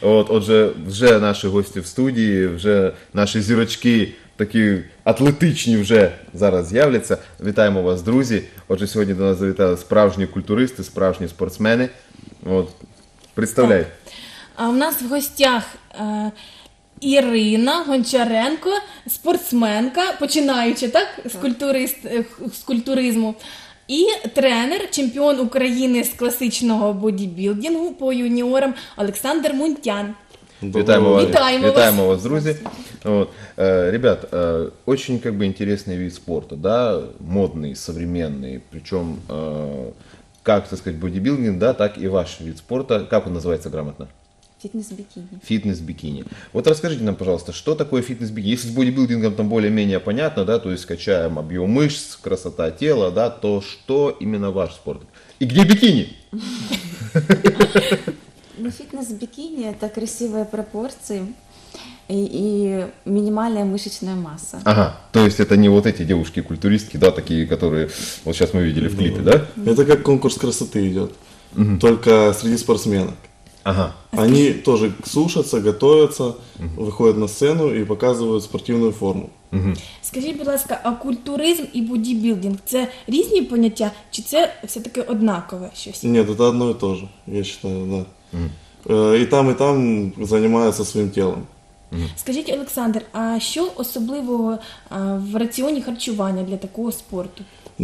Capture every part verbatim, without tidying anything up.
От, отже, вже наші гості в студії, вже наші зірочки такі атлетичні вже зараз з'являться. Вітаємо вас, друзі. Отже, сьогодні до нас завітали справжні культуристи, справжні спортсмени. От, представляй. А у нас в гостях е, Ірина Гончаренко, спортсменка, починаючи так, з, культурист, е, з культуризму, і тренер, чемпіон України з класичного бодібілдингу по юніорам Олександр Мунтян. Витаем вас, Витаем витаем вас. вас, друзья. Вот. Э, Ребят, э, очень как бы интересный вид спорта, да, модный, современный, причем э, как, так сказать, бодибилдинг, да, так и ваш вид спорта. Как он называется грамотно? Фитнес-бикини. Фитнес-бикини. Вот расскажите нам, пожалуйста, что такое фитнес-бикини? Если с бодибилдингом там более-менее понятно, да, то есть качаем объем мышц, красота тела, да, то что именно ваш спорт? И где бикини? Ну, фитнес-бикини – это красивые пропорции и, и минимальная мышечная масса. Ага, то есть это не вот эти девушки-культуристки, да, такие, которые вот сейчас мы видели в клипе, да? Это как конкурс красоты идет, только среди спортсменок. Ага. Они тоже сушатся, готовятся, выходят на сцену и показывают спортивную форму. Скажіть, будь ласка, а культуризм і бодібілдинг – це різні поняття, чи це все-таки однакове щось? Нет, это одно и то же, я считаю, да. Э, И там, и там занимаются своим телом. Скажіть, Олександр, а що особливого а, в раціоні харчування для такого спорту?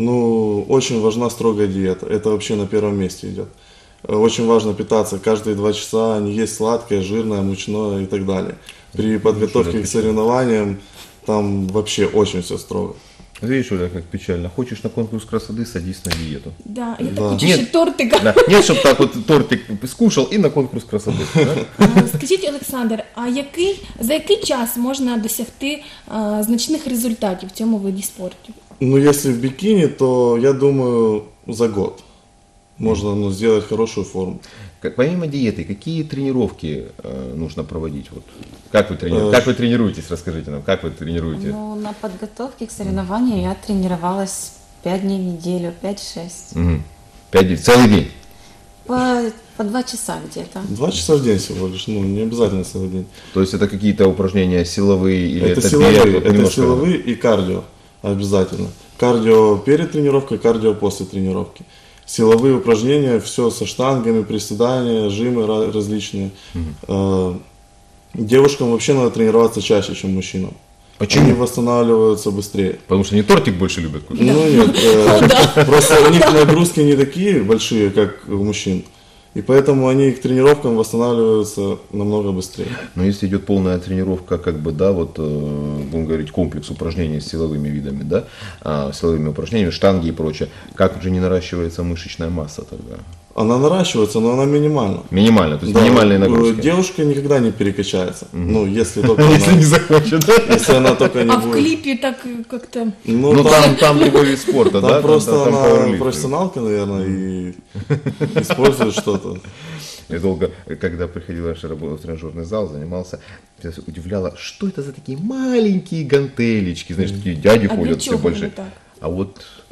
Ну, очень важна строгая диета, это вообще на первом месте идет. Э, Очень важно питаться каждые два часа, не есть сладкое, жирное, мучное и так далее. При подготовке к соревнованиям там вообще очень все строго. Видишь, Оля, как печально. Хочешь на конкурс красоты, садись на диету. Да, я так Да. хочу Нет. ще тортика. Да. Нет, чтобы так вот тортик скушал и на конкурс красоты. Да? А, Скажіть, Олександр, а який, за який час можна досягти а, значних результатів в цьому виді спорту? Ну, если в бикини, то я думаю, за год можно ну, сделать хорошую форму. Как- Помимо диеты, какие тренировки э, нужно проводить? Вот. Как, вы трени- Э, как вы тренируетесь, расскажите нам, как вы тренируете? Ну, на подготовке к соревнованию я тренировалась пять дней в неделю, пять-шесть. Мгм. Пять дней, целый день? По, по два часа где-то. Два часа в день всего лишь, ну, не обязательно целый день. То есть это какие-то упражнения силовые или это, Это силовые, бег, вот это немножко- силовые и кардио обязательно. Кардио перед тренировкой, кардио после тренировки. Силовые упражнения, все со штангами, приседания, жимы ра- различные. Э, Девушкам вообще надо тренироваться чаще, чем мужчинам. Почему? Они восстанавливаются быстрее. Потому что они тортик больше любят кушать. Ну нет, э, просто у них нагрузки не такие большие, как у мужчин. И поэтому они к тренировкам восстанавливаются намного быстрее. Но если идет полная тренировка, как бы, да, вот, э, будем говорить, комплекс упражнений с силовыми видами, да, а, силовыми упражнениями, штанги и прочее, как же не наращивается мышечная масса тогда? Она наращивается, но она минимальна. Минимально, то есть Да, минимальные э, нагрузки. Девушка никогда не перекачается. Ну, если только Если не она, захочет, да? если она только не А в будет. кліпі так як-то... Ну, Ну там, там, там другой вид спорта, там да? просто там, там она пауэрлифтинг. профессионалка, наверное, и использует что-то. Я долго, когда приходил раньше работать в тренажерный зал, занимался, я удивляла, что это за такие маленькие гантелечки, знаешь, такие дяди А для ходят все чего больше. вони так? А вот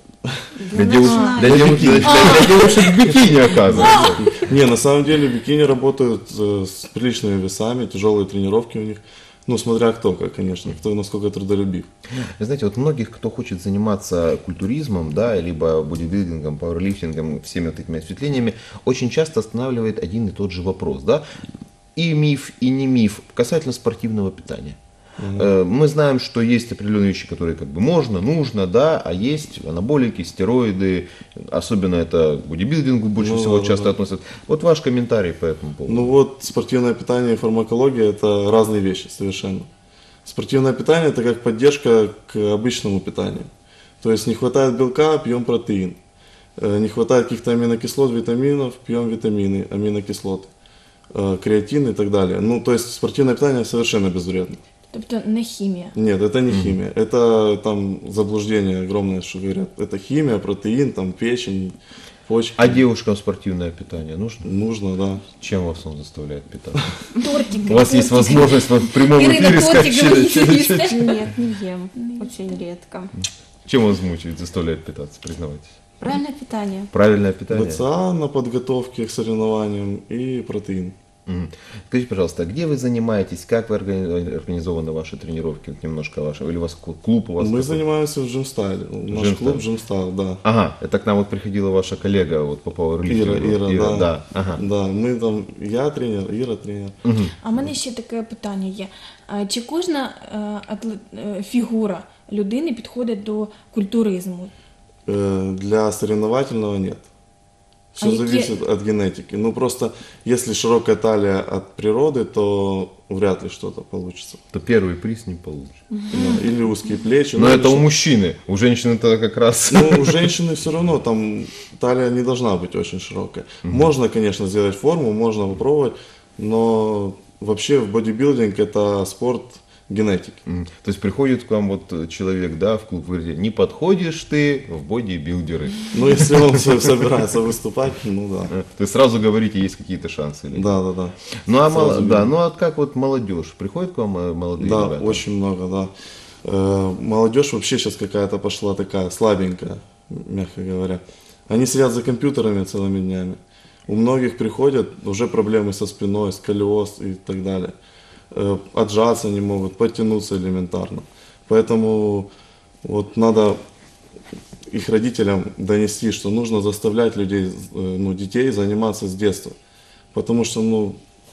Для для, девушек, начинающих. для, девушек, для, для девушек в бикини, оказывается. Не, на самом деле бикини работают э, с приличными весами, тяжелые тренировки у них. Ну, смотря кто, как, конечно, кто насколько трудолюбив. Вы знаете, вот многих, кто хочет заниматься культуризмом, да, либо бодибилдингом, пауэрлифтингом, всеми вот этими осветлениями, очень часто останавливает один и тот же вопрос, да, и миф, и не миф касательно спортивного питания. Э, Мы знаем, что есть определенные вещи, которые как бы можно, нужно, да, а есть анаболики, стероиды, особенно это к бодибилдингу больше Ну, всего да, часто да. относят. Вот ваш комментарий по этому поводу. Ну вот, спортивное питание и фармакология – это разные вещи совершенно. Спортивное питание – это как поддержка к обычному питанию. То есть не хватает белка – пьем протеин. Э, Не хватает каких-то аминокислот, витаминов – пьем витамины, аминокислоты, э, креатин и так далее. Ну, то есть спортивное питание совершенно безвредно. Тобто не хімія. Нет, это не химия. Это там заблуждение огромное, что говорят. Это химия, протеин, там печень, почки. А девушкам спортивное питание нужно? Нужно, да. Чем вас он заставляет питаться? Тортики. У вас есть тортики. возможность вот в прямом Ирина, эфире тортик сказать, говорите, чем- їсте? Нет, не ем. Очень редко. чем вас мучает, заставляет питаться, признавайтесь. Правильное питание. Правильное питание? БЦА на подготовке к соревнованиям и протеин. Мгм. Скажите, пожалуйста, а где вы занимаетесь, как вы органи- организованы ваши тренировки? Вот немножко ваши, или у вас клуб клуб у вас? Мы какой? занимаемся в Джимстайле. Наш Джимстайл. клуб Джимстайл, да. Ага, это к нам вот приходила ваша коллега вот по пауэрлифтингу. Ира, Ира, да. да. Ага. Да, мы там, я тренер, Ира тренер. А в мене ще таке питання є. А Чи кожна е, атлет- е, фігура людини підходить до культуризму? Э, Для соревновательного нет. Все А какие- зависит от генетики. Ну просто, если широкая талия от природы, то вряд ли что-то получится. То первый приз не получишь. Да, или узкие плечи. Но ну, это что- у мужчины, у женщины-то как раз... Ну, у женщины все равно там талия не должна быть очень широкая. Можно, конечно, сделать форму, можно попробовать, но вообще в бодибилдинг это спорт генетики. М, То есть приходит к вам вот э, человек, да, в клуб, вы говорите, не подходишь ты в бодибилдеры. Ну, если он со- собирается выступать, ну да. Э, То есть сразу говорите, есть какие-то шансы. или нет? Да, да, да. Ну а, Сразу мало- видно. да, ну а как вот молодежь? Приходит к вам э, молодые Да, ребята? очень много, да. Э, Молодежь вообще сейчас какая-то пошла такая слабенькая, мягко говоря. Они сидят за компьютерами целыми днями. У многих приходят уже проблемы со спиной, сколиоз и так далее. Э, Отжаться не могут, подтянуться элементарно. Поэтому вот надо их родителям донести, что нужно заставлять людей, э, ну, детей заниматься с детства. Потому что, ну,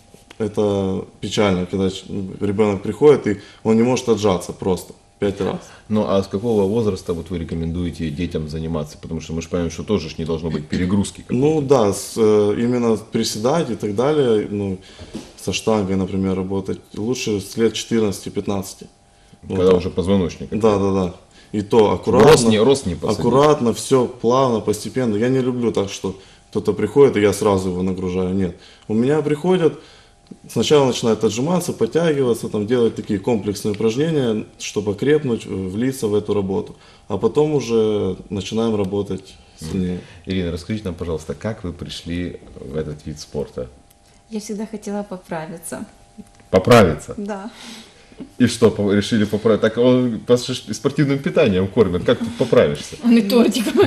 это печально, когда ч- ребенок приходит и он не может отжаться просто пять раз. Ну а с какого возраста вот вы рекомендуете детям заниматься? Потому что мы же понимаем, что тоже ж не должно быть перегрузки. какой-то. Ну да, с, э, именно приседать и так далее, ну, со штангой, например, работать лучше с лет четырнадцати-пятнадцати. Вот Когда так. уже позвоночник. Да, да, да. И то аккуратно, Рост не, рост не посадить. аккуратно, все плавно, постепенно. Я не люблю так, что кто-то приходит, и я сразу его нагружаю. Нет. У меня приходят, сначала начинают отжиматься, подтягиваться, там, делать такие комплексные упражнения, чтобы окрепнуть, э, влиться в эту работу. А потом уже начинаем работать сильнее. Ирина, расскажите нам, пожалуйста, как вы пришли в этот вид спорта? Я всегда хотела поправиться. Поправиться. Да. И что, по- решили поправить? Так он по ш- спортивным питанием кормят, как тут поправишься? А не тортиками.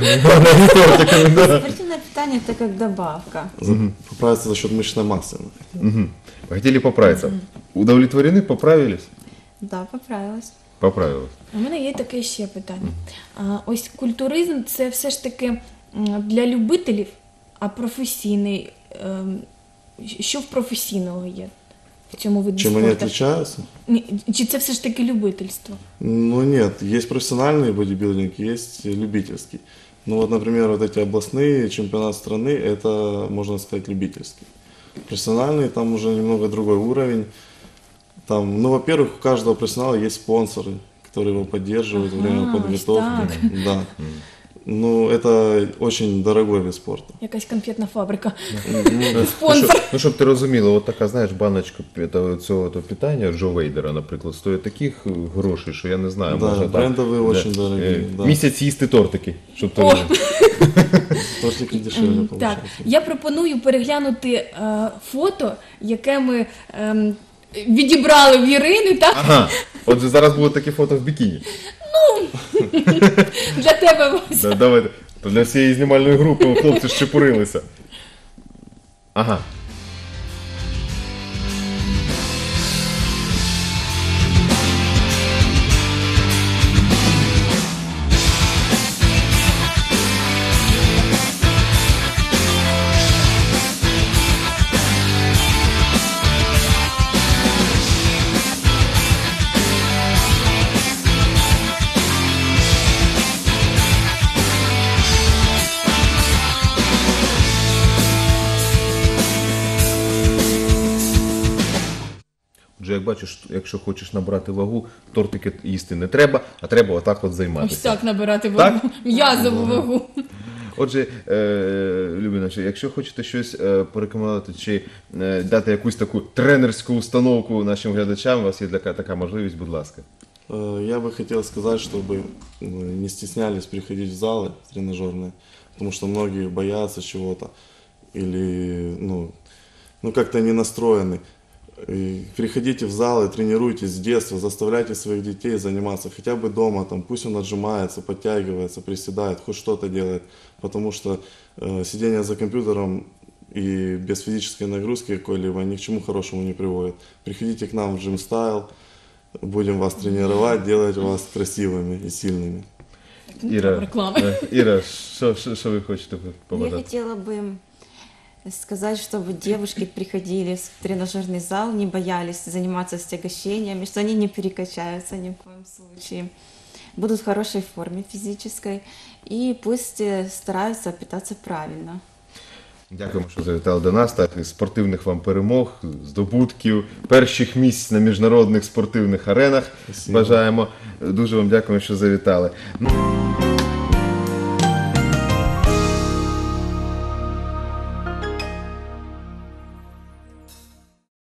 Спортивное питание это как добавка. За- Поправиться за счет мышечной массы. Мгм. Хотели поправиться. Удовлетворены, поправились? Да, поправилась. Поправилась. У мене є таке ще питання. А, ось культуризм це все ж таки м, для любителів, а професійний. ем, Що в професійного є в цьому виді Чем они спорту? отличаются? Ні, Чи це все ж таки любительство? Ну нет, есть профессиональный бодибилдинг, есть любительский. Ну вот, например, вот эти областные чемпионаты страны, это, можно сказать, любительский. Профессиональный, там уже немного другой уровень. Там, ну, во-первых, у каждого профессионала есть спонсоры, которые его поддерживают во время Ага, подготовки. так. Да. Ну, это очень дорогой вид спорта. Якась конфетна фабрика. Ну, Спонсор. щоб, ну, щоб ти розуміла, от така, знаєш, баночка этого- цього то питання Джо Вейдера, наприклад, стоїть таких грошей, що я не знаю, Да, можна там, брендові очень дорогі, е, да. місяць їсти тортики, щоб ти О! розумів. Тортики дешевле Ем, Так, получается. я пропоную переглянути е, фото, яке ми ем, відібрали в Ірини, так? Ага, отже, зараз буде таке фото в бікіні. Для тебе ось. Да, давайте. То для всієї знімальної групи хлопці щепурилися. Ага. Отже, як бачиш, якщо хочеш набрати вагу, тортики їсти не треба, а треба отак от Ось займатися. так набирати вагу, Так? м'язову вагу. Отже, е, любі наші, якщо хочете щось е, порекомендувати чи е, дати якусь таку тренерську установку нашим глядачам, у вас є така, така можливість, будь ласка. Э, Я бы хотел сказать, чтобы э, не стеснялись приходить в залы тренажерные, потому что многие боятся чего-то или ну, ну как-то не настроены. И приходите в залы, тренируйтесь с детства, заставляйте своих детей заниматься хотя бы дома, там, пусть он отжимается, подтягивается, приседает, хоть что-то делает, потому что э, сидение за компьютером и без физической нагрузки какой-либо ни к чему хорошему не приводит. Приходите к нам в Gym Style, будем вас тренировать, делать вас красивыми и сильными. Іра, Реклами. е, Іра, що, що, що ви хочете Я побажати? хотела бы сказать, чтобы девушки приходили в тренажерный зал, не боялись заниматься стягощениями, что они не перекачаются ни в коем случае, будут в хорошей форме физической и пусть э, стараются питаться правильно. Дякуємо, що завітали до нас. Так, і спортивних вам перемог, здобутків, перших місць на міжнародних спортивних аренах. Спасибо. Бажаємо. Дуже вам дякуємо, що завітали. Ну,